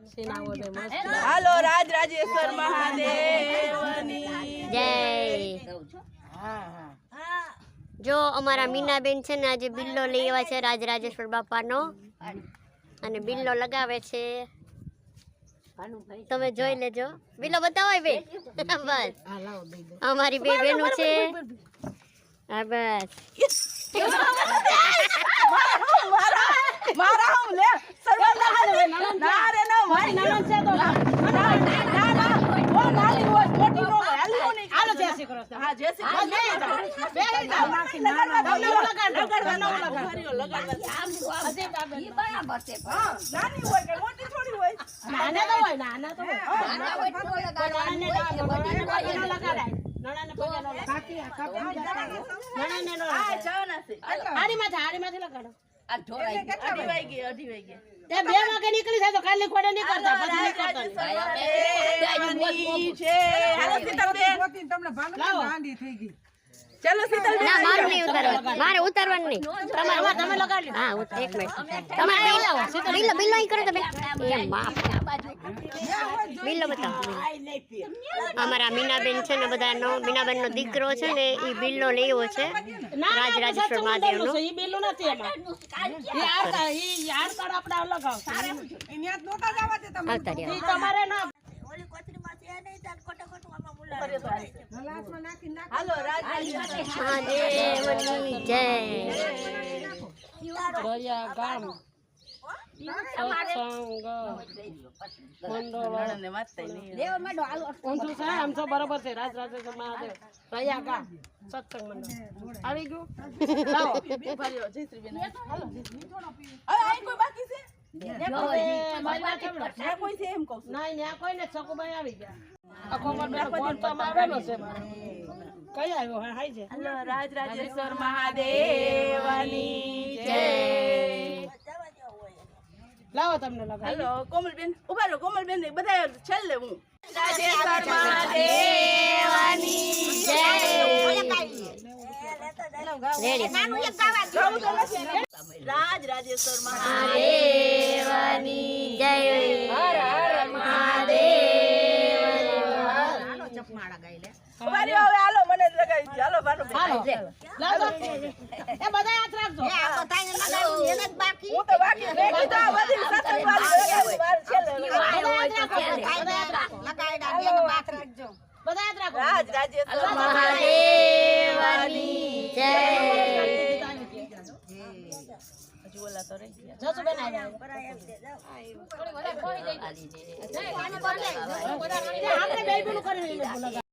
હાલો રાજ રાજેશ્વર મહાદેવની જય। જો અમારા મીનાબેન છે ને આજે બિલ્લો લઈ આવ્યા છે રાજ રાજેશ્વર બાપાનો અને બિલ્લો લગાવે છે, તમે જોઈ લેજો। બિલ્લો બતાવો બે બસ અમારી બે બેનો છે। હા બસ મારા હું લે ના રે ના મારી નણંદ છે તો ના ઓ નાની હોય મોટી નો હાલી નો નહીં હાલો જય શ્રી કૃષ્ણ હા જય શ્રી કૃષ્ણ બે નાખી ના લગાડવા આમ અજે ઈ બરાબર છે હા નાની હોય કે મોટી થોડી હોય નાના તો હોય નાના તો હોય નાના હોય તો લગાડવા નાને લગાડાય નણાને પગે નો કાકી નણાને નો આ જવાના છે હાડીમાંથી લગાડો આ ઢોરાઈ અઢી વાગે તે 2 વાગે નીકળી જાય તો કાલે ખોડે નહીં કરતા પછી નહીં કરતા છે હાલો સીતલબેન તમને ભાંગી ગાંડી થઈ ગઈ ચલો સીતલબેન ના મારું નહીં ઉતારવાનું મારે ઉતારવાનું નહીં તમારે તમે લગાડી હા એક મિનિટ તમારે બિલ લાવો બિલ અહીં કરો તમે એ માફ બિલ બતાવો અમારા મીનાબેન છે ને બધાનો મીનાબેનનો દીકરો છે ને એ બિલ્લો લેવો છે રાજ રાજેશ્વર મહાદેવનો ઈ બિલ્લો નથી એમાં ઈ યાર કાર્ડ આપણે અલગ આવશે અહીંયા નોટા જવા દે તમે ઈ તમારે ના ઓલી કોથળીમાં છે નહીં તાર ખોટો આમાં બોલાવે ગ્લાસમાં નાખી નાખ હાલો રાજ મહાદેવની જય। દરિયા ગામ આમ તો બરોબર છે રાજ રાજેશ્વર મહાદેવ દરિયા ગામ સત્સંગ મંડળ આવી ગયું લાવો જયશ્રીબેન હાલો અહીં કોઈ બાકી છે કોઈ છે એમ કહું નહીં ત્યાં કોઈ ને સકુભાઈ આવી ગયા આખો ફોન તો આવેલો છે કઈ આવ્યો હાય છે હાલો રાજ રાજેશ્વર મહાદેવની જય। લાવો તમને લગાવી હાલો કોમલબેન ઉભા રહો કોમલબેન બધા છેલ્લે હું રાજેશ્વર મહાદેવની જય। રાજ રાજેશ્વર મહાદેવની જય। હર હર મહાદેવ। ઉભા રહ્યો હવે હાલો મને જ લગાવી દે હાલો ભાનો હાલો લાવો એ બધા હાથ રાખજો હું તો બાકી મેં કીધું આ બધી સત્સંગ વાળી લગાવી વાર છેલ્લે બધા હાથ રાખો રાજ રાજેશ્વર મહાદેવની જય। હજુ ઓલા તો રહી ગયા જસુ બેન આવ્યા આપણે બે બીનું કરી